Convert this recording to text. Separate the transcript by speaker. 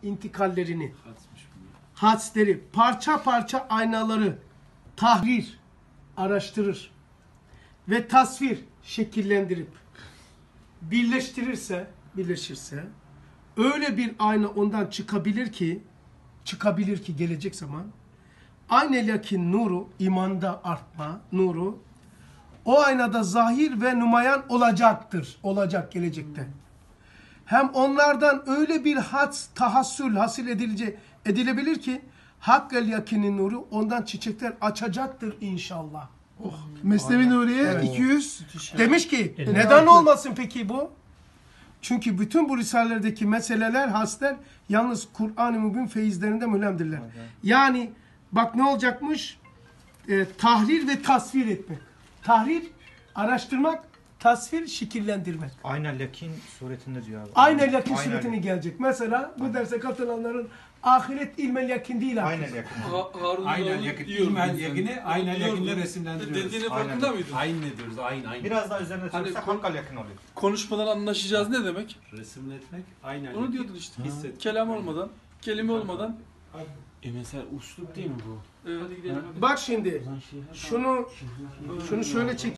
Speaker 1: intikallerini, hadisleri, parça parça aynaları tahrir, araştırır ve tasvir, şekillendirip birleştirirse, öyle bir ayna ondan çıkabilir ki gelecek zaman aynel yakin nuru, imanda artma nuru o aynada zahir ve numayan olacak gelecekte. Hem onlardan öyle bir tahassül edilebilir ki hakkel yakinin nuru ondan çiçekler açacaktır inşallah.
Speaker 2: Mesnevi Nuriye
Speaker 1: Evet.
Speaker 2: 200.
Speaker 1: Demiş ki neden olmasın peki bu? Çünkü bütün bu risalelerdeki meseleler, hasler yalnız Kur'an-ı Mübin feyizlerinde mülemdirler. Yani bak ne olacakmış? Tahrir ve tasvir etmek. Tahrir, araştırmak, tasvir, şekillendirmek.
Speaker 3: Aynel Yakin suretinde diyor abi.
Speaker 1: Aynel yakin suretine gelecek. Mesela bu derse katılanların ahiret ilmel yakin değil artık.
Speaker 3: Aynel Yakin.
Speaker 4: Aynen yakın. İlmel yakini aynen yakinle resimlendiriyoruz.
Speaker 5: Dediğinin farkında mıydın?
Speaker 4: Aynen diyoruz. Aynen.
Speaker 3: Biraz daha üzerine
Speaker 5: Hani
Speaker 3: çalışsak hakkal yakın oluyor.
Speaker 5: Konuşmadan anlaşacağız ne demek?
Speaker 4: Resimletmek aynen.
Speaker 5: Onu diyordun işte.
Speaker 4: Hissetmek.
Speaker 5: Kelam olmadan, kelime olmadan.
Speaker 4: Mesela uslup değil mi bu?
Speaker 5: Hadi gidelim.
Speaker 1: Bak şimdi şunu şöyle çek.